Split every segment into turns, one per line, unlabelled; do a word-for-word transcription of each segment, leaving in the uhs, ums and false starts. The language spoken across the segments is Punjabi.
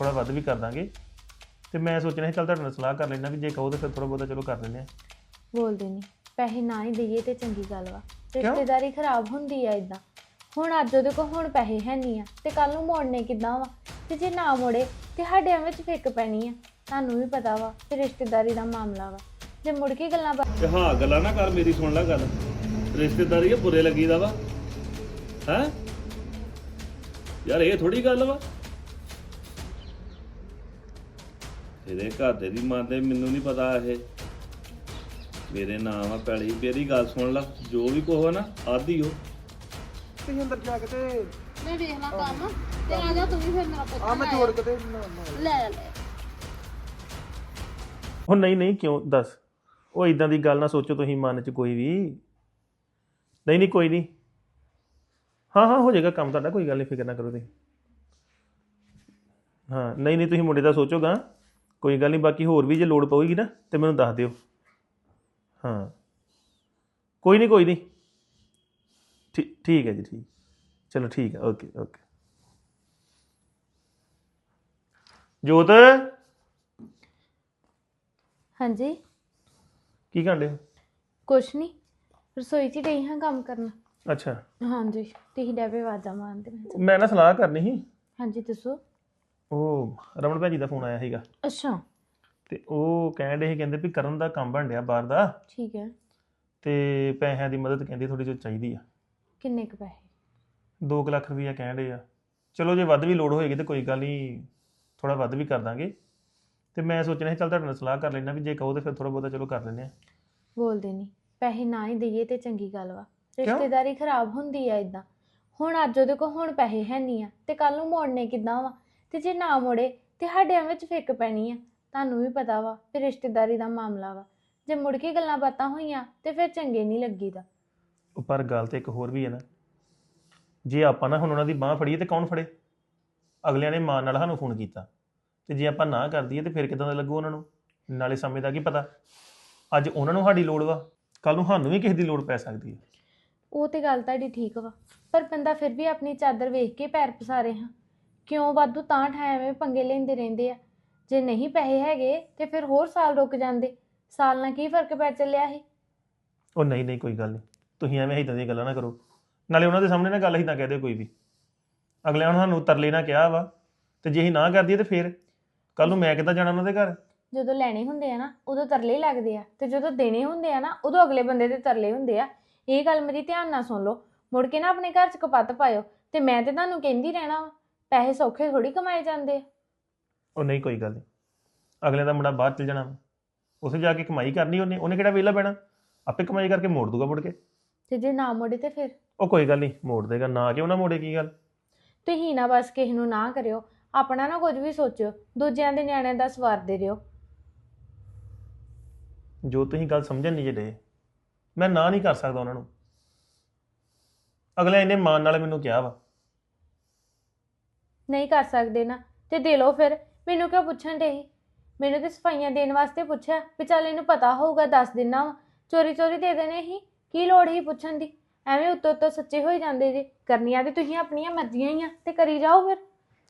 ਥੋੜਾ ਵੱਧ ਵੀ ਕਰ ਦਾਂਗੇ। ਤੇ ਮੈਂ ਸੋਚਣਾ ਸੀ ਚੱਲ ਤੁਹਾਡੇ ਨਾਲ ਸਲਾਹ ਕਰ ਲੈਣਾ ਵੀ ਜੇ ਕਹੋ ਤਾਂ ਫਿਰ ਥੋੜਾ ਬਹੁਤਾ ਚਲੋ ਕਰ ਲੈਂਦੇ ਆ।
ਬੋਲਦੇ ਨਹੀਂ ਪੈਸੇ ਨਾ ਹੀ ਦਈਏ ਤੇ ਚੰਗੀ ਗੱਲ ਵਾ। ਰਿਸ਼ਤੇਦਾਰੀ ਖਰਾਬ ਹੁੰਦੀ ਆ ਇਦਾਂ। ਹੁਣ ਅੱਜ ਉਹਦੇ ਕੋਲ ਹੁਣ ਪੈਸੇ ਹੈ ਨਹੀਂ ਆ ਤੇ ਕੱਲ ਨੂੰ ਮੋੜਨੇ ਕਿੱਦਾਂ ਵਾ ਤੇ ਜੇ ਨਾ ਮੋੜੇ ਤੇ ਸਾਡਿਆਂ ਵਿੱਚ ਫਿੱਕ ਪੈਣੀ ਆ। ਤੁਹਾਨੂੰ ਵੀ ਪਤਾ ਵਾ ਕਿ ਰਿਸ਼ਤੇਦਾਰੀ ਦਾ ਮਾਮਲਾ ਵਾ ਜੇ ਮੁੜ ਕੇ ਗੱਲਾਂ
ਤੇ ਹਾਂ ਗੱਲਾਂ ਨਾ ਕਰ, ਮੇਰੀ ਸੁਣ ਲੈ ਗੱਲ। ਰਿਸ਼ਤੇਦਾਰੀ ਇਹ ਬੁਰੇ ਲੱਗੀਦਾ ਵਾ ਹੈ ਯਾਰ, ਇਹ ਥੋੜੀ ਗੱਲ ਵਾ। ਇਹਦੇ ਘਰ ਦੇ ਦੀ ਮੰਨਦੇ, ਮੈਨੂੰ ਨਹੀਂ ਪਤਾ। ਇਹ ਮੇਰੇ ਨਾਮ ਆ ਪੈਲੀ। ਮੇਰੀ ਗੱਲ ਸੁਣ ਲਾ, ਜੋ ਵੀ ਕਹੋ ਨਾ ਆਦੀ ਹੋ।
ਤੁਸੀਂ ਅੰਦਰ ਜਾ ਕੇ ਤੇ
ਮੈਂ ਵੇਖ ਲਾਂ ਕੰਮ ਤੇ ਆ ਜਾ ਤੂੰ ਵੀ ਫਿਰ ਮੇਰਾ ਪੁੱਤ
ਆ ਮੈਂ ਜੋੜ ਕੇ ਤੇ
ਲੈ ਲੈ।
ਉਹ ਨਹੀਂ ਨਹੀਂ ਕਿਉਂ ਦੱਸ, ਉਹ ਇਦਾਂ ਦੀ ਗੱਲ ਨਾ ਸੋਚੋ ਤੁਸੀਂ ਮਨ 'ਚ ਕੋਈ ਵੀ। ਨਹੀਂ ਨਹੀਂ ਕੋਈ ਨਹੀਂ, ਹਾਂ ਹਾਂ ਹੋ ਜਾਏਗਾ ਕੰਮ ਤੁਹਾਡਾ, ਕੋਈ ਗੱਲ ਨਹੀਂ, ਫਿਕਰ ਨਾ ਕਰੋ ਤੁਸੀਂ। ਹਾਂ ਨਹੀਂ ਨਹੀਂ ਤੁਸੀਂ ਮੁੰਡੇ ਦਾ ਸੋਚੋਗਾ, ਕੋਈ ਗੱਲ ਨਹੀਂ। ਬਾਕੀ ਹੋਰ ਵੀ ਜੇ ਲੋੜ ਪਊਗੀ ਨਾ ਤੇ ਮੈਨੂੰ ਦੱਸ ਦਿਓ। ਹਾਂ ਕੋਈ ਨਹੀਂ ਕੋਈ ਨਹੀਂ, ਠੀਕ ਠੀਕ ਹੈ ਜੀ, ਠੀਕ ਚਲੋ ਠੀਕ ਹੈ, ਓਕੇ ਓਕੇ। ਜੋਤ
ਹਾਂਜੀ
ਕੀ ਕਰਦੇ ਹੋ?
ਕੁਛ ਨਹੀਂ, ਰਸੋਈ 'ਚ ਗਈ ਹਾਂ ਕੰਮ ਕਰਨ।
ਅੱਛਾ
ਹਾਂਜੀ ਤੁਸੀਂ ਡੈਬੇ ਆਵਾਜ਼ਾਂ ਮਾਰਦੇ ਮੈਂ
ਮੈਂ ਨਾ ਸਲਾਹ ਕਰਨੀ ਸੀ।
ਹਾਂਜੀ ਦੱਸੋ।
ਉਹ ਰਮਨ ਭੈਣ ਜੀ ਦਾ ਫੋਨ ਆਇਆ ਸੀਗਾ
ਅੱਛਾ
ਤੇ ਉਹ ਕਹਿਣ ਡੇ ਸੀ, ਕਹਿੰਦੇ ਵੀ ਕਰਨ ਦਾ ਕੰਮ ਬਣ ਡਿਆ ਬਾਹਰ ਦਾ
ਠੀਕ ਹੈ।
ਤੇ ਪੈਸਿਆਂ ਦੀ ਮਦਦ ਕਹਿੰਦੀ ਥੋੜੀ ਜਿਹੀ ਚਾਹੀਦੀ ਆ।
ਕਿੰਨੇ ਕੁ ਪੈਸੇ?
ਦੋ ਕੁ ਲੱਖ ਰੁਪਈਆ ਕਹਿਣ ਡੇ ਆ। ਚਲੋ ਜੇ ਵੱਧ ਵੀ ਲੋੜ ਹੋਏਗੀ ਤੇ ਕੋਈ ਗੱਲ ਨਹੀਂ, ਥੋੜਾ ਵੱਧ ਵੀ ਕਰ ਦਾਂਗੇ। ਤੇ ਮੈਂ ਸੋਚਣਾ ਸੀ ਚੱਲ ਤੁਹਾਡੇ ਨਾਲ ਸਲਾਹ ਕਰ ਲੈਣਾ ਵੀ ਜੇ ਕਹੋ ਤਾਂ ਫਿਰ ਥੋੜਾ ਬਹੁਤਾ ਚਲੋ ਕਰ ਲੈਂਦੇ ਆ।
ਬੋਲਦੇ ਨਹੀਂ ਪੈਸੇ ਨਾ ਹੀ ਦਈਏ ਤੇ ਚੰਗੀ ਗੱਲ ਵਾ। ਰਿਸ਼ਤੇਦਾਰੀ ਖਰਾਬ ਹੁੰਦੀ ਆ ਇਦਾਂ। ਹੁਣ ਅੱਜ ਉਹਦੇ ਕੋਲ ਹੁਣ ਪੈਸੇ ਹੈ ਨਹੀਂ ਆ ਤੇ ਕੱਲ ਨੂੰ ਮੋੜਨੇ ਕਿੱਦਾਂ ਵਾ ਤੇ ਜੇ ਨਾ ਮੋੜੇ ਤੇ ਸਾਡਿਆਂ ਵਿੱਚ ਫਿੱਕ ਪੈਣੀ ਆ। ਤੁਹਾਨੂੰ ਵੀ ਪਤਾ ਵਾ ਕਿ ਰਿਸ਼ਤੇਦਾਰੀ ਦਾ ਮਾਮਲਾ ਵਾ ਜੇ ਮੁੜ ਕੇ ਗੱਲਾਂ ਬਾਤਾਂ ਹੋਈਆਂ ਤੇ ਫਿਰ ਚੰਗੇ ਨਹੀਂ ਲੱਗੀਦਾ।
ਉਹ ਪਰ ਗੱਲ ਤੇ ਇੱਕ ਹੋਰ ਵੀ ਹੈ ਨਾ, ਜੇ ਆਪਾਂ ਨਾ ਹੁਣ ਉਹਨਾਂ ਦੀ ਬਾਂਹ ਫੜੀਏ ਤੇ ਕੌਣ ਫੜੇ? ਅਗਲਿਆਂ ਨੇ ਮਾਂ ਨਾਲ ਸਾਨੂੰ ਫੋਨ ਕੀਤਾ ਤੇ ਜੇ ਆਪਾਂ ਨਾ ਕਰ ਦਈਏ ਤੇ ਫਿਰ ਕਿਦਾਂ ਦਾ ਲੱਗੂ ਉਹਨਾਂ ਨੂੰ? ਨਾਲੇ ਸਮੇਂ ਦਾ ਕੀ ਪਤਾ, ਅੱਜ ਉਹਨਾਂ ਨੂੰ ਸਾਡੀ ਲੋੜ ਵਾ, ਕੱਲ ਨੂੰ ਸਾਨੂੰ ਵੀ ਕਿਸੇ ਦੀ ਲੋੜ ਪੈ ਸਕਦੀ ਹੈ।
ਉਹ ਤੇ ਗੱਲ ਤੁਹਾਡੀ ਠੀਕ ਵਾ, ਪਰ ਬੰਦਾ ਫਿਰ ਵੀ ਆਪਣੀ ਚਾਦਰ ਵੇਖ ਕੇ ਪੈਰ ਪਸਾਰੇ ਹਾਂ। ਕਿਉਂ ਵਾਧੂ ਤਾਂ ਠਾਂ ਐਵੇਂ ਪੰਗੇ ਲੈਂਦੇ ਰਹਿੰਦੇ ਆ? ਜੇ ਨਹੀਂ ਪੈਸੇ ਹੈਗੇ ਤੇ ਫਿਰ ਹੋਰ ਸਾਲ ਰੁਕ ਜਾਂਦੇ। ਸਾਲ ਨਾਲ ਕੀ ਫਰਕ ਪੈ ਚੱਲਿਆ ਸੀ?
ਉਹ ਨਹੀਂ ਨਹੀਂ ਕੋਈ ਗੱਲ ਨਹੀਂ, ਤੁਸੀਂ ਐਵੇਂ ਇੱਦਾਂ ਦੀਆਂ ਗੱਲਾਂ ਨਾ ਕਰੋ। ਨਾਲੇ ਉਹਨਾਂ ਦੇ ਸਾਹਮਣੇ ਨਾ ਗੱਲ ਇੱਦਾਂ ਕਹਿ ਦਿਓ ਕੋਈ ਵੀ। ਅਗਲਿਆਂ ਨੇ ਸਾਨੂੰ ਤਰਲੇ ਨਾ ਕਿਹਾ ਵਾ ਤੇ ਜੇ ਅਸੀਂ ਨਾ ਕਰ ਦਈਏ ਤੇ ਫਿਰ ਕੱਲ ਨੂੰ ਮੈਂ ਕਿੱਦਾਂ ਜਾਣਾ ਉਹਨਾਂ ਦੇ ਘਰ?
ਜਦੋਂ ਲੈਣੇ ਹੁੰਦੇ ਆ ਨਾ ਉਦੋਂ ਤਰਲੇ ਲੱਗਦੇ ਆ ਤੇ ਜਦੋਂ ਦੇਣੇ ਹੁੰਦੇ ਆ ਨਾ ਉਦੋਂ ਅਗਲੇ ਬੰਦੇ ਦੇ ਤਰਲੇ ਹੁੰਦੇ ਆ। ਇਹ ਗੱਲ ਮੇਰੀ ਧਿਆਨ ਨਾਲ ਸੁਣ ਲਓ। ਮੁੜ ਕੇ ਨਾ ਆਪਣੇ ਘਰ 'ਚ ਕਪੱਤ ਪਾਇਓ। ਤੇ ਮੈਂ ਤੇ ਤੁਹਾਨੂੰ ਕਹਿੰਦੀ ਰਹਿਣਾ ਵਾ, ਪੈਸੇ ਸੌਖੇ ਥੋੜੀ ਕਮਾਏ ਜਾਂਦੇ ਆ।
ਉਹ ਨਹੀਂ ਕੋਈ ਗੱਲ ਨਹੀਂ, ਅਗਲੇ ਦਾ ਮੁੰਡਾ ਬਾਹਰ ਚਲ ਜਾਣਾ, ਉੱਥੇ ਜਾ ਕੇ ਕਮਾਈ ਕਰਨੀ ਉਹਨੇ ਉਹਨੇ ਕਿਹੜਾ ਵਿਹਲਾ ਪੈਣਾ, ਆਪੇ ਕਮਾਈ ਕਰਕੇ ਮੋੜ ਦੂਗਾ ਮੁੜ ਕੇ।
ਤੇ ਜੇ ਨਾ ਮੋੜੇ ਤੇ ਫਿਰ?
ਉਹ ਕੋਈ ਗੱਲ ਨਹੀਂ, ਮੋੜ ਦੇਗਾ। ਨਾ ਕਿਉਂ ਨਾ ਮੋੜੇ, ਕੀ ਗੱਲ?
ਤੁਸੀਂ ਨਾ ਬਸ ਕਿਸੇ ਨੂੰ ਨਾ ਕਰਿਓ, ਆਪਣਾ ਨਾ ਕੁਝ ਵੀ ਸੋਚਿਓ, ਦੂਜਿਆਂ ਦੇ ਨਿਆਣਿਆਂ ਦਾ ਸਵਾਰਦੇ ਰਹੋ।
ਜੋ ਤੁਸੀਂ ਗੱਲ ਸਮਝਣ ਨਹੀਂ ਜੇ ਡੇ, ਮੈਂ ਨਾ ਨਹੀਂ ਕਰ ਸਕਦਾ ਉਹਨਾਂ ਨੂੰ। ਅਗਲੇ ਇੰਨੇ ਮਾਣ ਨਾਲ ਮੈਨੂੰ ਕਿਹਾ ਵਾ।
ਨਹੀਂ ਕਰ ਸਕਦੇ ਨਾ ਤੇ ਦੇ ਲਓ ਫਿਰ। ਮੈਨੂੰ ਕਿਉਂ ਪੁੱਛਣ ਡੇ ਸੀ? ਮੈਨੂੰ ਤੇ ਸਫਾਈਆਂ ਦੇਣ ਵਾਸਤੇ ਪੁੱਛਿਆ ਵੀ ਚੱਲ ਇਹਨੂੰ ਪਤਾ ਹੋਊਗਾ ਦੱਸ ਦਿਨਾ ਵਾ। ਚੋਰੀ ਚੋਰੀ ਦੇ ਦੇਣੇ ਸੀ, ਕੀ ਲੋੜ ਸੀ ਪੁੱਛਣ ਦੀ? ਐਵੇਂ ਉੱਤੋਂ ਉੱਤੋਂ ਸੱਚੇ ਹੋਈ ਜਾਂਦੇ ਜੀ। ਕਰਨੀਆਂ ਤੇ ਤੁਸੀਂ ਆਪਣੀਆਂ ਮਰਜ਼ੀਆਂ ਹੀ ਆ ਤੇ ਕਰੀ ਜਾਓ ਫਿਰ।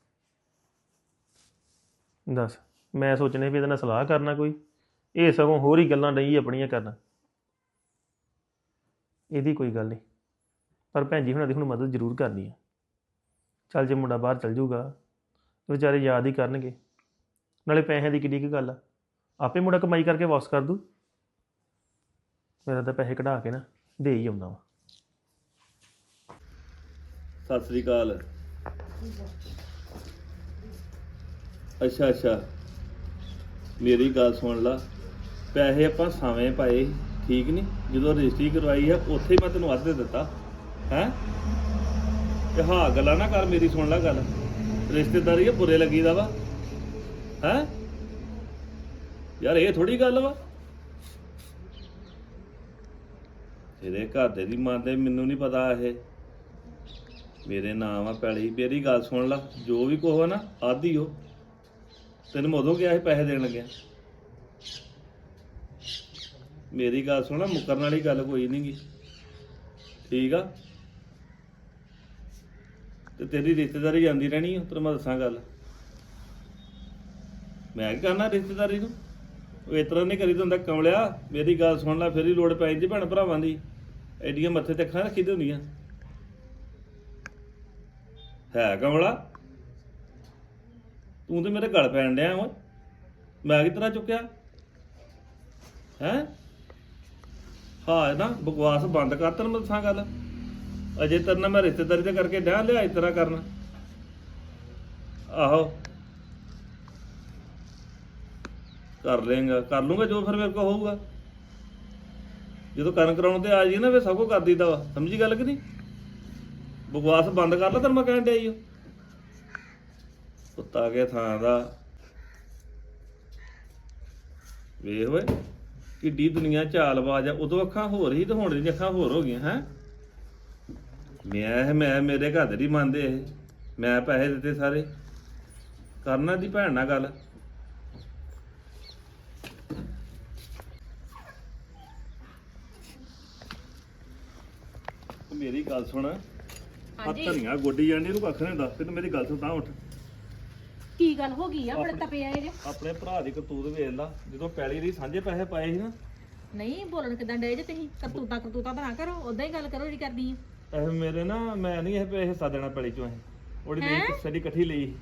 ਦੱਸ, ਮੈਂ ਸੋਚਣੇ ਵੀ ਇਹਦੇ ਨਾਲ ਸਲਾਹ ਕਰਨਾ ਕੋਈ, ਇਹ ਸਗੋਂ ਹੋਰ ਹੀ ਗੱਲਾਂ ਨਹੀਂ ਆਪਣੀਆਂ ਕਰਨਾ। ਇਹਦੀ ਕੋਈ ਗੱਲ ਨਹੀਂ, ਪਰ ਭੈਣ ਜੀ ਹੁਣਾਂ ਦੀ ਹੁਣ ਮਦਦ ਜ਼ਰੂਰ ਕਰਨੀ ਹੈ। ਚੱਲ ਜੇ ਮੁੰਡਾ ਬਾਹਰ ਚੱਲ ਜਾਊਗਾ ਵਿਚਾਰੇ ਯਾਦ ਹੀ ਕਰਨਗੇ। ਨਾਲੇ ਪੈਸਿਆਂ ਦੀ ਕਿੱਡੀ ਕੁ ਗੱਲ ਆ, ਆਪੇ ਮੁੰਡਾ ਕਮਾਈ ਕਰਕੇ ਵਾਪਸ ਕਰ ਦੂ। ਮੇਰਾ ਤਾਂ ਪੈਸੇ ਕਢਾ ਕੇ ਨਾ ਦੇ ਹੀ ਆਉਂਦਾ ਵਾ।
ਸਤਿ ਸ੍ਰੀ ਅਕਾਲ। ਅੱਛਾ ਅੱਛਾ, ਮੇਰੀ ਗੱਲ ਸੁਣ ਲਾ। ਪੈਸੇ ਆਪਾਂ ਸਾਵੇਂ ਪਾਏ, ਠੀਕ ਨਹੀਂ? ਜਦੋਂ ਰਜਿਸਟਰੀ ਕਰਵਾਈ ਆ ਉੱਥੇ ਮੈਂ ਤੈਨੂੰ ਅੱਧ ਦੇ ਦਿੱਤਾ ਹੈ। ਤੇ ਹਾਂ ਗੱਲਾਂ ਨਾ ਕਰ, ਮੇਰੀ ਸੁਣ ਲੈ ਗੱਲ। ਰਿਸ਼ਤੇਦਾਰੀ ਇਹ ਬੁਰੇ ਲੱਗੀਦਾ ਵਾ ਹੈ ਯਾਰ, ਇਹ ਥੋੜੀ ਗੱਲ ਵਾ। ਇਹਦੇ ਘਰ ਦੇ ਦੀ ਮੰਨਦੇ, ਮੈਨੂੰ ਨਹੀਂ ਪਤਾ। ਇਹ ਮੇਰੇ ਨਾਮ ਆ ਪੈਲੀ। ਮੇਰੀ ਗੱਲ ਸੁਣ ਲਾ, ਜੋ ਵੀ ਕਹੋ ਨਾ ਆਦੀ ਹੋ। ਤੈਨੂੰ ਮੈਂ ਉਦੋਂ ਗਿਆ ਸੀ ਪੈਸੇ ਦੇਣ ਲੱਗਿਆ। ਮੇਰੀ ਗੱਲ ਸੁਣ, ਮੁੱਕਰਨ ਵਾਲੀ ਗੱਲ ਕੋਈ ਨਹੀਂ ਗੀ, ਠੀਕ ਆ? ਤੇ ਤੇਰੀ ਰਿਸ਼ਤੇਦਾਰੀ ਜਾਂਦੀ ਰਹਿਣੀ ਆ, ਤੈਨੂੰ ਮੈਂ ਦੱਸਾਂ ਗੱਲ। ਮੈਂ ਕੀ ਕਰਨਾ ਰਿਸ਼ਤੇਦਾਰੀ ਨੂੰ? ਉਹ ਇਸ ਤਰ੍ਹਾਂ ਨਹੀਂ ਕਰੀਦਾ ਹੁੰਦਾ ਕਮਲਿਆ। ਮੇਰੀ ਗੱਲ ਸੁਣ ਲੈ, ਫਿਰ ਹੀ ਲੋੜ ਪੈ ਜਾਂਦੀ ਭੈਣ ਭਰਾਵਾਂ ਦੀ। ਐਡੀਆਂ ਮੱਥੇ ਤੇ ਅੱਖਾਂ ਰੱਖੀ ਦੀਆਂ ਹੁੰਦੀਆਂ ਹੈ ਕਮਲਾ। ਤੂੰ ਤੇ ਮੇਰੇ ਗਲ ਪੈਣ ਡਿਆ ਓਏ। ਮੈਂ ਕਿ ਤਰ੍ਹਾਂ ਚੁੱਕਿਆ ਹੈਂ? ਹਾਂ ਨਾ ਬਕਵਾਸ ਬੰਦ ਕਰ। ਤੈਨੂੰ ਮੈਂ ਦੱਸਾਂ ਗੱਲ, ਅਜੇ ਤੇਰੇ ਨਾਲ ਮੈਂ ਰਿਸ਼ਤੇਦਾਰੀ ਤੇ ਕਰਕੇ ਡਿਆ ਲਿਆ ਇਸ ਤਰ੍ਹਾਂ ਕਰਨਾ। ਆਹੋ ਕਰ ਲੇਗਾ, ਕਰ ਲੂੰਗਾ ਜੋ ਫਿਰ ਮੇਰੇ ਕੋਲ ਹੋਊਗਾ। ਜਦੋਂ ਕਰਨ ਕਰਾਉਣ ਤੇ ਆ ਜੀ ਨਾ ਫਿਰ ਸਭ ਕੁਝ ਕਰ ਦਿੱਤਾ ਵਾ। ਸਮਝੀ ਗੱਲ ਕਿ ਨਹੀਂ? ਬਕਵਾਸ ਬੰਦ ਕਰ ਲੈ ਤੈਨੂੰ ਮੈਂ ਕਹਿਣ ਡਿਆ ਈ ਓ। ਕੁੱਤਾ ਕੇ ਥਾਂ ਦਾ ਵੇਖ ਓਏ ਕਿੱਡੀ ਦੁਨੀਆ ਚਾਲਬਾਜ਼ ਆ। ਉਦੋਂ ਅੱਖਾਂ ਹੋਰ ਹੀ ਤੇ ਹੁਣ ਦੀਆਂ ਅੱਖਾਂ ਹੋਰ ਹੋ ਗਈਆਂ ਹੈ। ਮੈਂ ਮੈਂ ਮੇਰੇ ਘਰ ਦੇ ਨਹੀਂ ਮੰਨਦੇ ਇਹ। ਮੈਂ ਪੈਸੇ ਦਿੱਤੇ ਸਾਰੇ। ਕਰਨਾ ਦੀ ਭੈਣ ਨਾਲ ਗੱਲ। ਮੇਰੀ ਗੱਲ ਸੁਣ, ਆ ਧਨੀਆ ਗੋਡੀ ਜਾਂਦੀ ਇਹਨੂੰ ਕੱਖ ਨਹੀਂ ਦੱਸ। ਤੈਨੂੰ ਮੇਰੀ ਗੱਲ ਸੁਣ ਤਾਂ ਉੱਠ।
ਕੀ ਗੱਲ ਹੋ ਗਈ ਆ? ਬੜੇ ਤਪੇ ਆਏ ਜੇ।
ਆਪਣੇ ਭਰਾ ਦੀ ਕਰਤੂਤ ਵੇਖ ਲਾ। ਜਦੋਂ ਪੈਲੀ ਦੀ ਸਾਂਝੇ ਪੈਸੇ ਪਾਏ ਸੀ ਨਾ।
ਨਹੀਂ ਬੋਲਣ ਕਿਦਾਂ ਡੇ ਜੇ ਤੁਸੀਂ? ਕਰਤੂਤਾ ਕਰਤੂਤਾ ਤਾਂ ਨਾ ਕਰੋ, ਉਦਾਂ ਹੀ ਗੱਲ ਕਰੋ ਜਿਹੜੀ ਕਰਦੀ ਆ।
ਇਹ ਮੇਰੇ ਨਾ ਮੈਂ ਨਹੀਂ ਇਹ ਪੈਸੇ ਹਿੱਸਾ ਦੇਣਾ ਪੈਲੀ ਚੋਂ। ਇਹ ਉਹਦੀ ਲਈ ਕਿਸੇ ਦੀ ਇਕੱਠੀ ਲਈ।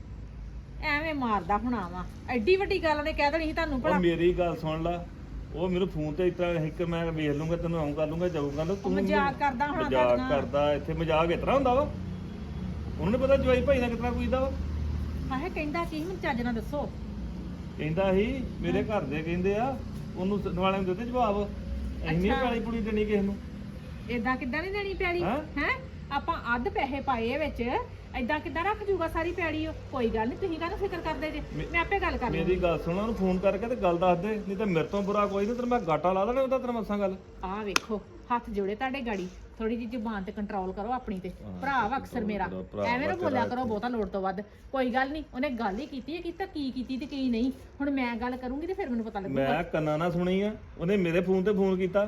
ਐਵੇਂ ਮਾਰਦਾ ਹੋਣਾ ਵਾ। ਐਡੀ ਵੱਡੀ ਗੱਲ ਨੇ ਕਹਿ ਦੇਣੀ ਸੀ ਤੁਹਾਨੂੰ
ਉਹ
ਭਲਾ।
ਮੇਰੀ ਗੱਲ ਸੁਣ ਲਾ। ਉਹ ਮੈਨੂੰ ਫੋਨ ਤੇ ਇਸ ਤਰ੍ਹਾਂ ਇੱਕ ਮੈਂ ਵੇਖ ਲੂੰਗਾ, ਤੈਨੂੰ ਆਉਂ ਕਰ ਲੂੰਗਾ, ਜਾਊਗਾ ਨਾ। ਤੂੰ
ਮਜ਼ਾਕ ਕਰਦਾ ਹੋਣਾ
ਮਜ਼ਾਕ
ਤੁਹਾਡੇ ਨਾਲ।
ਕਰਦਾ। ਇੱਥੇ ਮਜ਼ਾਕ ਇਸ ਤਰ੍ਹਾਂ ਹੁੰਦਾ ਵਾ। ਉਹਨੂੰ ਨੀ ਪਤਾ ਜਵਾਈ ਭਾਈ ਦਾ ਕਿਤਨਾ ਕੁਈਦਾ ਵਾ।
ਆਹੇ ਕਹਿੰਦਾ ਕੀ ਮੈਨੂੰ ਚੱਜ ਨਾਲ ਦੱਸੋ।
ਕਹਿੰਦਾ ਸੀ ਮੇਰੇ ਘਰ ਦੇ ਕਹਿੰਦੇ ਆ ਉਹਨੂੰ ਵਾਲਿਆਂ ਨੂੰ ਦਿੱਤੇ ਜਵਾਬ, ਅਸੀਂ ਨਹੀਂ ਪੈਲੀ ਪੁਲੀ ਦੇਣੀ ਕਿਸੇ ਨੂੰ।
ਏਦਾਂ ਕਿੱਦਾਂ ਨਹੀਂ ਦੇਣੀ ਪੈੜੀ
ਹੈਂ?
ਹੈ? ਆਪਾਂ ਅੱਧ ਪੈਸੇ ਪਾਏ ਵਿੱਚ, ਏਦਾਂ ਕਿੱਦਾਂ ਰੱਖ ਜੂਗਾ ਸਾਰੀ ਪੈੜੀ? ਉਹ ਕੋਈ ਗੱਲ ਨਹੀਂ, ਤੁਸੀਂ ਕਾਹਨੂੰ ਫਿਕਰ ਕਰਦੇ ਜੇ? ਮੈਂ ਆਪੇ ਗੱਲ ਕਰ ਲੂੰਗੀ।
ਮੇਰੀ ਗੱਲ ਸੁਣ, ਉਹਨੂੰ ਫੋਨ ਕਰਕੇ ਤੇ ਗੱਲ ਦੱਸ ਦੇ, ਨਹੀਂ ਤਾਂ ਮੇਰੇ ਤੋਂ ਬੁਰਾ ਕੋਈ ਨਹੀਂ। ਤੈਨੂੰ ਮੈਂ ਗਾਟਾ ਲਾ ਦੇਣਾ ਉਹਦਾ। ਤੈਨੂੰ ਮੱਸਾਂ ਗੱਲ।
ਆਹ ਵੇਖੋ ਹੱਥ ਜੋੜੇ ਤੁਹਾਡੇ ਗਾੜੀ। ਥੋੜੀ ਜਿਹੀ ਜ਼ੁਬਾਨ ਤੇ ਕੰਟਰੋਲ ਕਰੋ ਆਪਣੀ ਤੇ। ਭਰਾ ਵਾ ਅਕਸਰ ਮੇਰਾ, ਐਵੇਂ ਨਾ ਬੋਲਿਆ ਕਰੋ ਬਹੁਤਾ ਲੋੜ ਤੋਂ ਵੱਧ। ਕੋਈ ਗੱਲ ਨਹੀਂ, ਉਹਨੇ ਗੱਲ ਹੀ ਕੀਤੀ ਹੈ, ਕੀਤਾ ਕੀ ਕੀਤੀ ਤੇ ਕੀ ਨਹੀਂ। ਹੁਣ ਮੈਂ ਗੱਲ ਕਰੂੰਗੀ ਤੇ ਫਿਰ ਮੈਨੂੰ ਪਤਾ ਲੱਗੂਗਾ।
ਮੈਂ ਕੰਨਾਂ ਨਾਲ ਸੁਣੀ ਆ। ਉਹਨੇ ਮੇਰੇ ਫੋਨ ਤੇ ਫੋਨ ਕੀਤਾ।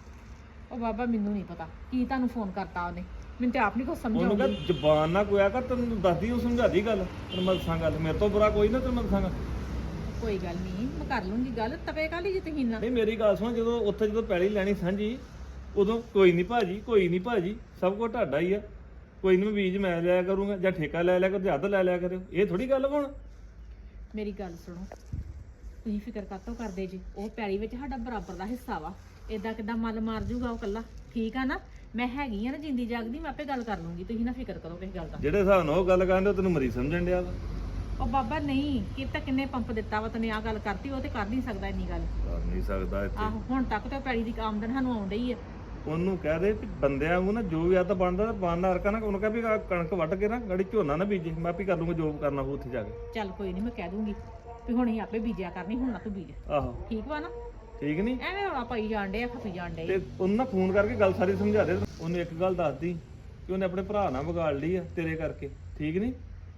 ਉਹ ਬਾਬਾ ਮੈਨੂੰ ਨਹੀਂ ਪਤਾ ਕੀ ਤੁਹਾਨੂੰ ਫੋਨ ਕਰਤਾ ਉਹਨੇ। ਮੈਨੂੰ ਤੇ ਆਪ ਨਹੀਂ ਕੁਝ ਸਮਝ
ਉਹਨੂੰ
ਆਉਂਦੀ।
ਕਹ ਜ਼ਬਾਨ ਨਾ ਕੋਇਆ ਕਰ। ਤੈਨੂੰ ਦੱਸਦੀ ਉਹ ਸਮਝਾਦੀ ਗੱਲ। ਤੈਨੂੰ ਮੈਂ ਦੱਸਾਂ ਗੱਲ, ਮੇਰੇ ਤੋਂ ਬੁਰਾ ਕੋਈ ਨਾ। ਤੈਨੂੰ ਮੈਂ ਦੱਸਾਂਗਾ।
ਕੋਈ ਗੱਲ ਨਹੀਂ, ਮੈਂ ਕਰ ਲੂੰਗੀ ਗੱਲ। ਤਵੇ ਕਾਲੀ ਜੇ ਤੁਸੀਂ ਨਾ।
ਨਹੀਂ ਮੇਰੀ ਗੱਲ ਸੁਣ, ਜਦੋਂ ਉੱਥੇ ਜਦੋਂ ਪੈਲੀ ਲੈਣੀ ਸਾਂਝੀ, ਉਦੋਂ ਕੋਈ ਨਹੀਂ ਭਾਜੀ, ਕੋਈ ਨਹੀਂ ਭਾਜੀ, ਸਭ ਕੁਝ ਤੁਹਾਡਾ ਹੀ ਆ। ਕੋਈ ਨਹੀਂ ਬੀਜ ਮੈਂ ਲਿਆ ਕਰੂੰਗਾ, ਜਾਂ ਠੇਕਾ ਲੈ ਲਿਆ ਕਰ, ਜਾਂ ਅੱਧ ਲੈ ਲਿਆ ਕਰਿਓ। ਇਹ ਥੋੜੀ ਗੱਲ ਹੁਣ।
ਮੇਰੀ ਗੱਲ ਸੁਣੋ, ਤੁਸੀਂ ਫਿਕਰ ਕਾਤੋਂ ਕਰਦੇ ਜੀ? ਉਹ ਪੈਲੀ ਵਿੱਚ ਸਾਡਾ ਬਰਾਬਰ ਦਾ ਹਿੱਸਾ ਵਾ। ਏਦਾਂ ਕਿੱਦਾਂ ਮੱਲ ਮਾਰ ਜੂਗਾ ਉਹ ਕੱਲਾ? ਠੀਕ ਆ ਨਾ? ਮੈਂ ਹੈਗੀ ਆ ਨਾ ਜਿੰਦੀ ਜਾਗਦੀ, ਮੈਂ ਆਪੇ ਗੱਲ ਕਰ ਲੂੰਗੀ। ਤੁਸੀਂ ਨਾ ਫਿਕਰ ਕਰੋ ਕਿਸੇ ਗੱਲ ਦਾ।
ਜਿਹੜੇ ਹਿਸਾਬ ਨਾਲ ਉਹ ਗੱਲ ਕਰਦੇ, ਤੈਨੂੰ ਮਰੀ ਸਮਝਣ ਡਿਆ ਵਾ।
ਉਹ ਬਾਬਾ ਨਹੀਂ ਕੀਤਾ ਕਿੰਨੇ ਪੰਪ ਦਿੱਤਾ ਵਾ ਤੈਨੂੰ? ਆ ਗੱਲ ਕਰਤੀ, ਉਹ ਤੇ ਕਰ ਨਹੀਂ ਸਕਦਾ ਇੰਨੀ ਗੱਲ।
ਕਰ ਨਹੀਂ ਸਕਦਾ ਇੱਥੇ।
ਆਹੋ ਹੁਣ ਤੱਕ ਤੇ ਪੈੜੀ ਦੀ ਆਮਦਨ ਸਾਨੂੰ ਆਉਣ ਡਈ ਆ।
ਉਹਨੂੰ ਕਹਿ ਦੇ ਵੀ ਬੰਦਿਆਂ ਵਾਂਗੂ ਨਾ ਜੋ ਵੀ ਆ ਤਾਂ ਬਣਦਾ ਬਾਨਾ ਰਕਾ ਨਾ। ਉਹਨੂੰ ਕਹਿ ਵੀ ਆਹ ਕਣਕ ਵੱਢ ਕੇ ਨਾ ਗਾੜੀ ਝੋਨਾ ਨਾ ਬੀਜੇ। ਮੈਂ ਆਪੇ ਕਰ ਲੂੰਗਾ ਜੋ ਕਰਨਾ ਹੋਊ ਉੱਥੇ ਜਾ ਕੇ।
ਚੱਲ ਕੋਈ ਨਹੀਂ, ਮੈਂ ਕਹਿ ਦੂੰਗੀ ਵੀ ਹੁਣ ਹੀ ਆਪੇ ਬੀਜਿਆ ਕਰਨੀ, ਹੁਣ ਨਾ ਤੂੰ ਬੀਜ।
ਆਹੋ
ਠੀਕ ਵਾ ਨਾ?
ਠੀਕ ਨਹੀਂ?
ਐਵੇਂ ਰੌਲਾ ਪਾਈ ਜਾਣ ਡੇ ਆ, ਖਪੀ ਜਾਣ ਡੇ।
ਤੇ ਉਹਨੂੰ ਨਾ ਫੋਨ ਕਰਕੇ ਗੱਲ ਸਾਰੀ ਸਮਝਾ ਦੇ। ਉਹਨੇ ਇੱਕ ਗੱਲ ਦੱਸਦੀ ਕਿ ਉਹਨੇ ਆਪਣੇ ਭਰਾ ਨਾਲ ਵਿਗਾੜ ਲਈ ਆ ਤੇਰੇ ਕਰਕੇ। ਠੀਕ ਨਹੀਂ?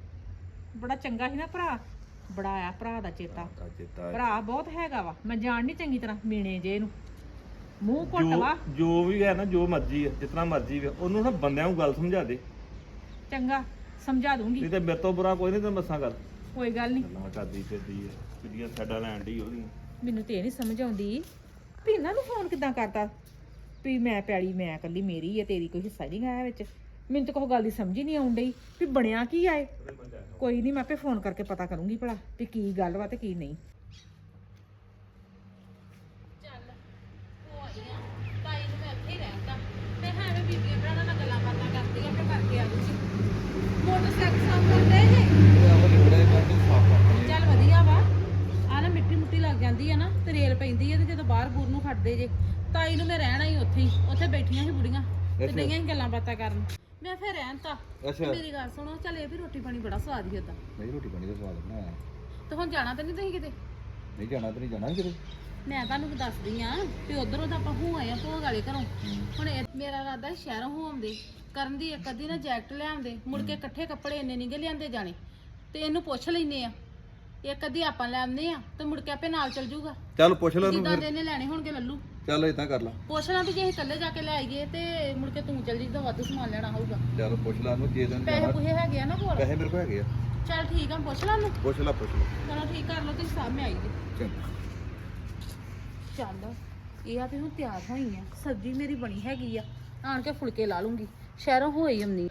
ਬੜਾ ਚੰਗਾ ਸੀ ਨਾ ਭਰਾ, ਬੜਾ ਆਇਆ ਭਰਾ ਦਾ ਚੇਤਾ।
ਚੇਤਾ
ਭਰਾ ਬਹੁਤ ਹੈਗਾ ਵਾ। ਮੈਂ ਜਾਣ ਨਹੀਂ ਚੰਗੀ ਤਰ੍ਹਾਂ ਮੀਣੇ ਜੇ ਇਹਨੂੰ। ਮੂੰਹ ਘੁੱਟ ਵਾ।
ਜੋ ਜੋ ਵੀ ਹੈ ਨਾ, ਜੋ ਮਰਜ਼ੀ ਹੈ, ਜਿਤਨਾ ਮਰਜ਼ੀ ਹੈ, ਉਹਨੂੰ ਨਾ ਬੰਦਿਆਂ ਨੂੰ ਗੱਲ ਸਮਝਾ ਦੇ।
ਚੰਗਾ ਸਮਝਾ ਦੂੰਗੀ।
ਨਹੀਂ ਤੇ ਮੇਰੇ ਤੋਂ ਬੁਰਾ ਕੋਈ ਨਹੀਂ। ਤੈਨੂੰ ਮੱਸਾਂ ਗੱਲ
ਕੋਈ ਗੱਲ ਨਹੀਂ।
ਗੱਲਾਂ ਕਰਦੀ ਫਿਰਦੀ ਹੈ, ਕਿਹਦੀਆਂ ਸਾਡਾ ਲੈਣ ਦੀ ਉਹਦੀ।
ਮੈਨੂੰ ਤੇ ਇਹ ਨਹੀਂ ਸਮਝ ਆਉਂਦੀ ਵੀ ਇਹਨਾਂ ਨੂੰ ਫੋਨ ਕਿੱਦਾਂ ਕਰਤਾ ਵੀ ਮੈਂ ਪੈਲੀ ਮੈਂ ਇਕੱਲੀ ਮੇਰੀ ਹੈ, ਤੇਰੀ ਕੋਈ ਹਿੱਸਾ ਨਹੀਂ ਆਇਆ ਵਿੱਚ। ਮੈਨੂੰ ਤਾਂ ਕੋਈ ਗੱਲ ਦੀ ਸਮਝ ਹੀ ਨਹੀਂ ਆਉਣ ਡਈ ਵੀ ਬਣਿਆ ਕੀ ਆਏ। ਕੋਈ ਨਹੀਂ, ਮੈਂ ਆਪੇ ਫੋਨ ਕਰਕੇ ਪਤਾ ਕਰੂੰਗੀ ਭਲਾ ਵੀ ਕੀ ਗੱਲ ਵਾ ਤੇ ਕੀ ਨਹੀਂ। ਚੱਲ ਉਹ ਆਈ ਆ ਤਾਈ ਨੂੰ ਮੈਂ ਇੱਥੇ ਰਹਿੰਦਾ ਤੇ ਹਾਂ ਮੈਂ ਬੀਬੀਆਂ ਭਰਾਵਾਂ ਨਾਲ ਗੱਲਾਂ ਬਾਤਾਂ ਕਰਦੀ ਆ, ਫਿਰ ਕਰਕੇ ਆ ਜੂਗੀ। ਮੋਟਰਸਾਈਕਲ ਸਾਫ ਕਰਦੇ ਨੇ। ਚੱਲ ਵਧੀਆ ਵਾ। ਆ ਨਾ ਮਿੱਟੀ ਮੁੱਟੀ ਲੱਗ ਜਾਂਦੀ ਆ ਨਾ ਤੇ ਰੇਲ ਪੈਂਦੀ ਆ ਤੇ ਜਦੋਂ ਬਾਹਰ ਬੂਰ ਨੂੰ ਖੜਦੇ ਜੇ। ਤਾਈ ਨੂੰ ਮੈਂ ਰਹਿਣਾ ਹੀ ਉੱਥੇ ਹੀ। ਉੱਥੇ ਬੈਠੀਆਂ ਸੀ ਬੁੜੀਆਂ ਤੇ ਡਈਆਂ ਸੀ ਗੱਲਾਂ ਬਾਤਾਂ ਕਰਨ। ਮੈਂ ਫਿਰ ਰਹਿਣ ਤਾ। ਮੇਰੀ ਗੱਲ ਸੁਣੋ, ਚੱਲ ਇਹ ਵੀ ਰੋਟੀ ਪਾਣੀ ਬੜਾ ਸਵਾਦ ਹੀ ਹੁੰਦਾ।
ਨਹੀਂ ਰੋਟੀ ਪਾਣੀ ਦਾ ਸਵਾਦ ਬਣਾਇਆ।
ਤੇ ਹੁਣ ਜਾਣਾ ਤਾਂ ਨਹੀਂ ਤੁਸੀਂ ਕਿਤੇ?
ਨਹੀਂ ਜਾਣਾ ਤੇ ਨਹੀਂ ਜਾਣਾ ਕਿਤੇ।
ਮੈਂ ਤੁਹਾਨੂੰ ਦੱਸਦੀ ਆ ਵੀ ਉਧਰੋਂ ਤਾਂ ਆਪਾਂ ਹੋ ਆਏ ਆ ਭੋਗ ਵਾਲੇ ਘਰੋਂ। ਹੁਣ ਇਹ- ਮੇਰਾ ਇਰਾਦਾ ਸ਼ਹਿਰੋਂ ਹੋ ਆਉਂਦੇ, ਕਰਨ ਦੀ ਇੱਕ ਅੱਧੀ ਨਾ ਜੈਕਟ ਲਿਆਉਂਦੇ, ਮੁੜ ਕੇ ਇਕੱਠੇ ਕੱਪੜੇ ਇੰਨੇ ਨਹੀਂ ਗੇ ਲਿਆਂਦੇ ਜਾਣੇ। ਤੇ ਇਹਨੂੰ ਪੁੱਛ ਲੈਨੇ ਆ, ਇੱਕ ਅੱਧੀ ਆਪਾਂ ਲੈ ਆਉਂਦੇ ਆ ਤੇ ਮੁੜ ਕੇ ਆਪੇ ਨਾਲ ਚੱਲ ਜੂਗਾ।
ਚੱਲ ਪੁੱਛ ਲੈ ਉਹਨੂੰ
ਜਿੱਦਾਂ
ਫਿਰ।
ਦੇ ਇਹਨੇ ਲੈਣੇ ਹੋਣਗੇ ਲੱਲੂ।
ਚੱਲ ਇਦਾਂ ਕਰ ਲਾ।
ਪੁੱਛ ਲਾਂ ਵੀ ਜੇ ਅਸੀਂ ਇਕੱਲੇ ਜਾ ਕੇ ਲੈ ਆਈਏ ਤੇ ਮੁੜ ਕੇ ਤੂੰ ਚੱਲ ਜੀ ਤਾਂ ਵੱਧ ਸਮਾਨ ਲੈਣਾ ਹੋਊਗਾ।
ਚੱਲ ਪੁੱਛ ਲਾ ਉਹਨੂੰ ਜੇ ਦਿਨ
ਪੈਸੇ
ਜਾਣਾ।
ਪੁਹੇ ਹੈਗੇ ਆ ਨਾ ਕੋਲ?
ਪੈਸੇ ਮੇਰੇ ਕੋਲ ਹੈਗੇ ਆ।
ਚੱਲ ਠੀਕ ਆ ਪੁੱਛ ਲਾ ਉਹਨੂੰ
ਪੁੱਛ ਲਾ ਪੁੱਛ ਲਾ
ਚਲੋ ਠੀਕ ਕਰ ਲਓ ਤੁਸੀਂ ਸਾਹਮਣੇ ਆਈ ਜੀ
ਚੰਗਾ
ਚੱਲ ਇਹ ਆ ਵੀ ਹੁਣ ਤਿਆਰ ਹੋਈ ਆ ਸਬਜ਼ੀ ਮੇਰੀ ਬਣੀ ਹੈਗੀ ਆ ਆਣ ਕੇ ਫੁਲਕੇ ਲਾ ਲੂੰਗੀ ਸ਼ਹਿਰੋਂ ਹੋਈ ਅੰਨੀ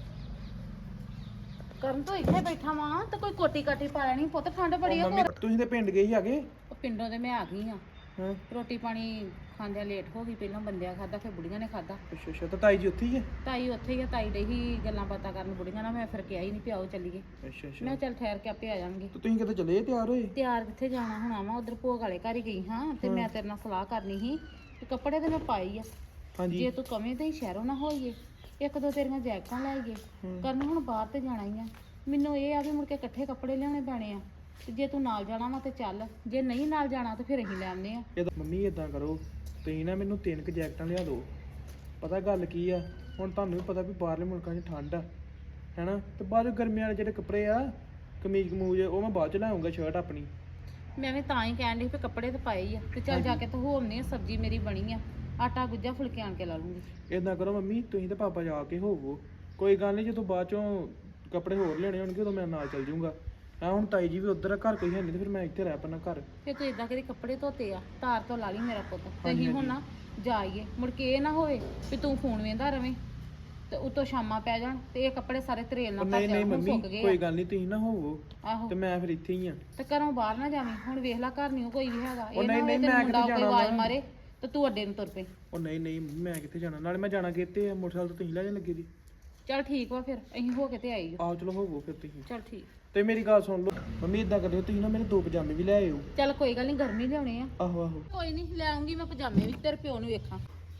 ਕਰਨ ਤੋਂ ਇੱਥੇ ਬੈਠਾ ਵਾਂ ਤੇ ਕੋਈ ਕੋਟੀ ਕਾਟੀ ਪਾ ਲੈਣੀ ਪੁੱਤ ਠੰਡ ਬੜੀ ਆ
ਮੰਮੀ
ਹੋਰ
ਤੁਸੀਂ ਤੇ ਪਿੰਡ ਗਏ ਸੀ ਆਗੇ
ਉਹ ਪਿੰਡੋਂ ਦੇ ਮੈਂ ਆ ਗਈ ਆ
ਹਾਂ
ਰੋਟੀ ਪਾਣੀ ਖਾਂਦਿਆਂ ਲੇਟ ਹੋ ਗਈ ਪਹਿਲਾਂ ਬੰਦਿਆਂ ਖਾਦਾ ਫਿਰ ਬੁੜੀਆਂ ਨੇ ਖਾਦਾ
ਅੱਛਾ ਅੱਛਾ ਤਾਂ ਤਾਈ ਜੀ ਉੱਥੇ ਹੀ ਹੈ
ਤਾਈ ਉੱਥੇ ਹੀ ਆ ਤਾਈ ਦੇ ਹੀ ਗੱਲਾਂ ਬਾਤਾਂ ਕਰਨ ਬੁੜੀਆਂ ਨਾਲ ਮੈਂ ਫਿਰ ਕਿਹਾ ਹੀ ਨਹੀਂ ਪਿਆਓ ਚੱਲੀਏ
ਅੱਛਾ ਅੱਛਾ
ਮੈਂ ਚੱਲ ਠਹਿਰ ਕੇ ਆਪੇ ਆ ਜਾਵਾਂਗੇ
ਤੇ ਤੁਸੀਂ ਕਿਤੇ ਚਲੇ ਤਿਆਰ ਹੋਏ
ਤਿਆਰ ਕਿੱਥੇ ਜਾਣਾ ਹੁਣ ਆਵਾਂ ਉਧਰ ਭੋਗ ਵਾਲੇ ਘਰ ਹੀ ਗਈ ਹਾਂ ਤੇ ਮੈਂ ਤੇਰੇ ਨਾਲ ਸਲਾਹ ਕਰਨੀ ਸੀ ਤੇ ਕੱਪੜੇ ਤੇ ਮੈਂ ਪਾਈ ਆ
ਹਾਂਜੀ
ਜੇ ਤੂੰ ਕਵੇਂ ਤੇ ਸ਼ਹਿਰੋਂ ਨਾ ਹੋਈਏ ਇੱਕ ਦੋ ਤੇਰੀਆਂ ਜੈਕਟਾਂ ਲੈ ਆਈਏ ਕਰਨ ਹੁਣ ਬਾਹਰ ਤੇ ਜਾਣਾ ਹੀ ਆ ਮੈਨੂੰ ਇਹ ਆ ਵੀ ਮੁੜ ਕੇ ਇਕੱਠੇ ਕੱਪੜੇ ਲਿਆਉਣੇ ਪੈਣੇ ਆ ਤੇ ਜੇ ਤੂੰ ਨਾਲ ਜਾਣਾ ਵਾ ਤੇ ਚੱਲ ਜੇ ਨਹੀਂ ਨਾਲ ਜਾਣਾ ਤੇ ਫਿਰ ਅਸੀਂ ਲੈ ਆਉਂਦੇ ਆ
ਇਹ ਮੰਮੀ ਇਦਾਂ ਕਰੋ ਤੁਸੀਂ ਨਾ ਮੈਨੂੰ ਤਿੰਨ ਕੁ ਜੈਕਟਾਂ ਲਿਆ ਦਿਓ ਪਤਾ ਗੱਲ ਕੀ ਆ ਹੁਣ ਤੁਹਾਨੂੰ ਵੀ ਪਤਾ ਵੀ ਬਾਹਰਲੇ ਮੁਲਕਾਂ 'ਚ ਠੰਡ ਆ ਹੈਨਾ ਤੇ ਬਾਅਦ ਚੋਂ ਗਰਮੀਆਂ ਵਾਲੇ ਜਿਹੜੇ ਕੱਪੜੇ ਆ ਕਮੀਜ਼ ਕਮੂਜ ਉਹ ਮੈਂ ਬਾਅਦ ਚ ਲਾਉਂਗਾ ਸ਼ਰਟ ਆਪਣੀ
ਮੈਂ ਵੀ ਤਾਂ ਹੀ ਕਹਿਣ ਡਈ ਵੀ ਕੱਪੜੇ ਤੇ ਪਾਏ ਹੀ ਆ ਤੇ ਚੱਲ ਜਾ ਕੇ ਤੇ ਹੋਵਨੇ ਆ ਸਬਜ਼ੀ ਮੇਰੀ ਬਣੀ ਆ ਆਟਾ ਗੁੱਜਾ ਫੁਲਕੇ ਆਣ ਕੇ ਲਾ ਲੂੰਗੀ
ਇਦਾਂ ਕਰੋ ਮੰਮੀ ਤੁਸੀਂ ਤੇ ਪਾਪਾ ਜਾ ਕੇ ਹੋਵੋ ਕੋਈ ਗੱਲ ਨਹੀਂ ਜਦੋਂ ਬਾਅਦ ਚੋਂ ਕੱਪੜੇ ਹੋਰ ਲੈਣੇ ਹੋਣਗੇ ਉਦੋਂ ਮੈਂ ਨਾਲ ਚੱਲ ਜਾਊਂਗਾ ਹਾਂ ਹੁਣ ਤਾਈ ਜੀ ਵੀ ਉੱਧਰ ਆ ਘਰ ਕੋਈ ਹੈ ਨਹੀਂ ਤੇ ਫਿਰ ਮੈਂ ਇੱਥੇ ਰਹਿ ਪੈਣਾ ਘਰ
ਫਿਰ ਤੂੰ ਇਦਾਂ ਕਰੀ ਕੱਪੜੇ ਧੋਤੇ ਆ ਧਾਰ ਤੋਂ ਲਾ ਲਈ ਮੇਰਾ ਪੁੱਤ ਤੇ ਅਸੀਂ ਹੁਣ ਨਾ ਜਾਈਏ ਮੁੜ ਕੇ ਇਹ ਨਾ ਹੋਵੇ ਵੀ ਤੂੰ ਫੋਨ ਵੇਂਦਾ ਰਵੇਂ ਤੇ ਉਤੋਂ ਸ਼ਾਮਾਂ ਪੈ ਜਾਣ ਤੇ ਇਹ ਕੱਪੜੇ ਸਾਰੇ ਤਰੇਲ ਨਾਲ
ਉਹ
ਭਰ
ਨਹੀਂ ਨਹੀਂ
ਜਾਣ ਹੁਣ
ਮੰਮੀ
ਸੁੱਕ ਗਏ
ਕੋਈ
ਆ।
ਗੱਲ ਨਹੀਂ ਤੁਸੀਂ ਨਾ ਹੋਵੋ
ਆਹੋ
ਤੇ ਮੈਂ ਫਿਰ ਇੱਥੇ ਹੀ ਆ
ਤੇ ਘਰੋਂ ਬਾਹਰ ਨਾ ਜਾਵੀਂ ਹੁਣ ਵੇਖ ਲੈ ਘਰ ਨਹੀਂ ਕੋਈ ਵੀ ਹੈਗਾ
ਉਹ
ਇਹ ਨਾ
ਨਹੀਂ,
ਹੋਵੇ
ਨਹੀਂ,
ਤੈਨੂੰ
ਮੈਂ
ਮੁੰਡਾ
ਕਿੱਥੇ
ਕੋਈ
ਜਾਣਾ
ਆਵਾਜ਼
ਵਾ।
ਮਾਰੇ ਤੇ ਤੂੰ ਅੱਡੇ ਨੂੰ ਤੁਰ ਪਈ
ਉਹ ਨਹੀਂ ਨਹੀਂ ਮੈਂ ਕਿੱਥੇ ਜਾਣਾ ਨਾਲੇ ਮੈਂ ਜਾਣਾ ਕਿਤੇ ਆ ਮੋਟਰਸਾਈਕਲ ਤੋਂ ਤੁਸੀਂ ਲੈ ਜਾਣ ਲੱਗੇ ਜੀ
ਚੱਲ ਠੀਕ ਵਾ ਫਿਰ ਅਸੀਂ ਹੋ ਕੇ ਤੇ ਆਈਏ
ਆਓ ਚਲੋ ਹੋਵੋ ਫਿਰ ਤੁਸੀਂ
ਚੱਲ ਠੀਕ
ਤੇ ਮੇਰੀ ਗੱਲ ਸੁਣ ਲਓ ਮੰਮੀ ਇਦਾਂ ਕਰਿਓ ਤੁਸੀਂ ਨਾ ਮੇਰੇ ਦੋ ਪਜਾਮੇ ਵੀ ਲੈ ਆਇਓ
ਚੱਲ ਕੋਈ ਗੱਲ ਨਹੀਂ ਗਰਮੀ ਲਿਆਉਣੇ ਆ
ਆਹੋ ਆਹੋ
ਕੋਈ ਨਹੀਂ ਲੈ ਆਉਂਗੀ ਮੈਂ ਪਜਾਮੇ ਵੀ ਤੇਰੇ ਪਿਓ ਨੂੰ ਵੇਖਾਂ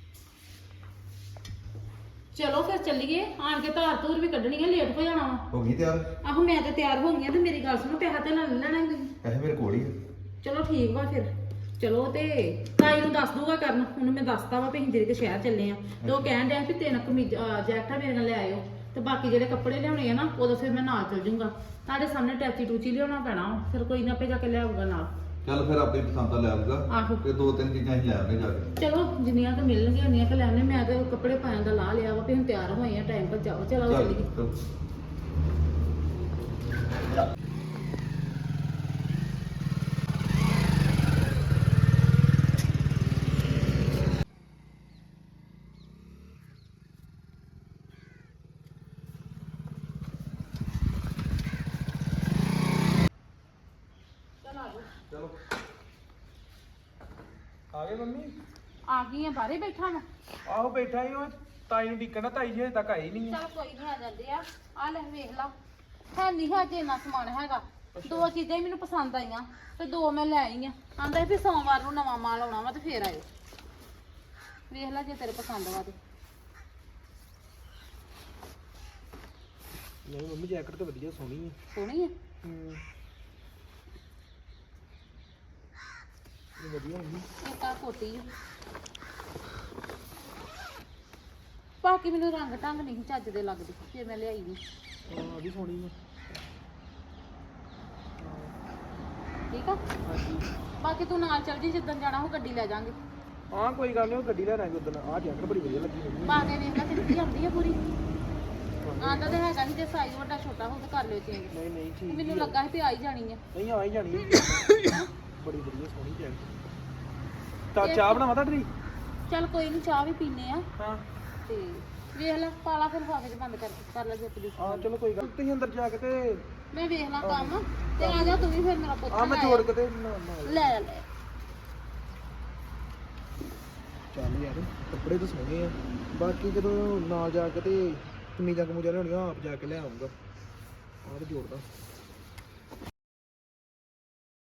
ਚਲੋ ਫਿਰ ਚੱਲੀਏ ਆਣ ਕੇ ਧਾਰ ਧੂਰ ਵੀ ਕੱਢਣੀ ਆ ਲੇਟ ਹੋ ਜਾਣਾ ਵਾ
ਹੋ ਗਈ ਤਿਆਰ
ਆਹੋ ਮੈਂ ਤੇ ਤਿਆਰ ਹੋ ਗਈ ਆ ਤੇ ਮੇਰੀ ਗੱਲ ਸੁਣੋ ਪੈਸਾ ਤੇ ਨਾ ਲੈ ਲੈਣਾ ਹੀ ਤੁਸੀਂ
ਪੈਸੇ ਮੇਰੇ ਕੋਲ ਹੀ ਆ
ਚਲੋ ਠੀਕ ਵਾ ਫਿਰ ਚਲੋ ਤੇ ਤਾਈ ਨੂੰ ਦੱਸ ਦੂਗਾ ਕਰਨ ਉਹਨੂੰ ਮੈਂ ਦੱਸਤਾ ਵਾ ਵੀ ਅਸੀਂ ਜਿਹੜੇ ਕਿ ਸ਼ਹਿਰ ਚੱਲੇ ਆ ਤੇ ਉਹ ਕਹਿਣ ਡਿਆ ਵੀ ਤਿੰਨ ਕਮੀਜ਼ ਜੈਕਟਾਂ ਮੇਰੇ ਨਾਲ ਲੈ ਆਇਓ ਤੇ ਬਾਕੀ ਜਿਹੜੇ ਕੱਪੜੇ ਲਿਆਉਣੇ ਆ ਨਾ ਉਦੋਂ ਫਿਰ ਮੈਂ ਨਾਲ ਚੱਲ ਜੂੰਗਾ ਤੁਹਾਡੇ ਸਾਹਮਣੇ ਟੈਚੀ ਟੂਚੀ ਲਿਆਉਣਾ ਪੈਣਾ ਵਾ, ਫਿਰ ਕੋਈ ਨਾ ਆਪੇ ਜਾ ਕੇ ਲੈ ਆਊਗਾ ਨਾਲ
ਚੱਲ ਫਿਰ ਆਪੇ ਪਸੰਦ ਦਾ ਲੈ ਆਊਗਾ
ਆਹੋ
ਤੇ ਦੋ ਤਿੰਨ ਚੀਜ਼ਾਂ ਹੀ ਲੈ ਆਉਣੇ ਜਾ ਕੇ
ਚਲੋ ਜਿੰਨੀਆਂ ਕੁ ਮਿਲਣਗੀਆਂ ਉਨੀਆਂ ਕੁ ਲੈ ਆਉਂਦੇ ਮੈਂ ਤੇ ਕੱਪੜੇ ਪਾਉਣ ਦਾ ਲਾ ਲਿਆ ਵਾ ਵੀ ਹੁਣ ਤਿਆਰ ਹੋਏ ਆ ਟਾਈਮ ਪਰ ਜਾਓ ਚਲੋ
ਚੱਲ
ਚੱਲੀਏ
ਚੱਲ। ਚਲੋ
ਆ ਗਏ ਮੰਮੀ
ਆ ਗਈ ਆ ਬਾਹਰੇ ਬੈਠਾ ਮੈਂ
ਆਹੋ ਬੈਠਾ ਹੀ ਉਹ ਤਾਈ ਨੂੰ ਡੀਕਣਾ ਤਾਈ ਜੀ ਹਜੇ ਤੱਕ ਆਈ ਨਹੀਂ ਆ
ਚਲ ਕੋਈ ਨਹੀਂ ਆ ਜਾਂਦੇ ਆ ਆ ਲੈ ਵੇਖ ਲਾ ਹੈ ਨਹੀਂ ਹਜੇ ਇੰਨਾ ਸਮਾਨ ਹੈਗਾ ਦੋ ਚੀਜ਼ਾਂ ਹੀ ਮੈਨੂੰ ਪਸੰਦ ਆਈਆਂ ਤੇ ਦੋ ਮੈਂ ਲੈ ਆਈ ਆ ਆਂਦਾ ਵੀ ਸੋਮਵਾਰ ਨੂੰ ਨਵਾਂ ਮਾਲ ਆਉਣਾ ਵਾ ਤੇ ਫੇਰ ਆਇਓ ਵੇਖ ਲੈ ਜੇ ਤੇਰੇ ਪਸੰਦ ਵਾ ਤੇ
ਨਹੀਂ ਮੰਮੀ ਜੈਕਟ ਤਾਂ ਵਧੀਆ ਸੋਹਣੀ ਹੈ
ਸੋਹਣੀ ਆ
ਹੂੰ ਇਹ ਵਧੀਆ ਮੰਮੀ
ਇੱਕ ਆ ਕੋਟੀ ਆ ਬਾਕੀ ਮੈਨੂੰ ਰੰਗ ਢੰਗ ਨਹੀਂ ਚੱਜ ਦੇ ਲੱਗਦੇ ਫਿਰ ਮੈਂ ਲਿਆਈ ਨਹੀਂ
ਹਾਂ ਆ ਵੀ ਸੋਹਣੀ ਹੈ
ਠੀਕ ਆ
ਹਾਂਜੀ
ਬਾਕੀ ਤੂੰ ਨਾਲ ਚੱਲ ਜੀ ਜਿੱਦਣ ਜਾਣਾ ਉਹ ਗੱਡੀ ਲੈ ਜਾਾਂਗੇ
ਹਾਂ ਕੋਈ ਗੱਲ ਨਹੀਂ ਉਹ ਗੱਡੀ ਲੈ ਲਾਂਗੇ ਉਦੋਂ ਆਹ ਜੈਕਟ ਬੜੀ ਵਧੀਆ ਲੱਗੀ ਮੈਨੂੰ
ਪਾ ਕੇ ਵੇਖ ਲੈ ਕਿੱਥੇ ਆਉਂਦੀ ਆ ਪੂਰੀ ਆਂਦਾ ਤੇ ਹੈਗਾ ਸੀ ਜੇ ਸਾਈਜ਼ ਵੱਡਾ ਛੋਟਾ ਹੋ ਤਾਂ ਕਰ ਲਿਓ ਚੇਂਜ
ਨਹੀਂ ਨਹੀਂ ਠੀਕ
ਮੈਨੂੰ ਲੱਗਾ ਸੀ ਵੀ ਆ ਹੀ ਜਾਣੀ ਆ
ਨਹੀਂ ਆ ਹੀ ਜਾਣੀ ਹੈ। ਬੜੀ ਵਧੀਆ ਸੋਹਣੀ ਜੈਕਟ ਤਾਂ ਚਾਹ ਬਣਾਵਾ ਤੁਹਾਡੀ
ਚੱਲ ਕੋਈ ਨਹੀਂ ਚਾਹ ਵੀ ਪੀਨੇ ਆ
ਹਾਂ
ਤੇ ਵੇਖ ਲੈ ਪਾਲਾ ਫਿਰ ਲਿਫਾਫੇ 'ਚ ਬੰਦ ਕਰ ਕਰ ਲੈ ਜੁੱਤ ਦੀ
ਹਾਂ ਚਲੋ ਕੋਈ ਗੱਲ ਨੀ। ਤੁਸੀਂ ਅੰਦਰ ਜਾ ਕੇ ਤੇ
ਮੈਂ ਵੇਖ ਲਾਂ ਕੰਮ ਤੇ ਆ ਜਾ ਤੂੰ ਵੀ ਫਿਰ ਮੇਰਾ ਪੁੱਤ
ਆ ਮੈਂ
ਲੈ
ਜੋੜ ਕੇ ਤੇ ਨਾ- ਨਾਲ
ਲੈ ਲੈ
ਚੱਲ ਯਾਰ ਕੱਪੜੇ ਤਾਂ ਸੋਹਣੇ ਆ ਬਾਕੀ ਜਦੋਂ ਨਾਲ ਜਾ ਕੇ ਤੇ ਕਮੀਜ਼ਾਂ ਕਮੂਜ਼ਾਂ ਲਿਆਉਣੀਆਂ ਆਪ ਜਾ ਕੇ ਲੈ ਆਉਂਗਾ ਆਹ ਤੇ ਜੋੜਦਾ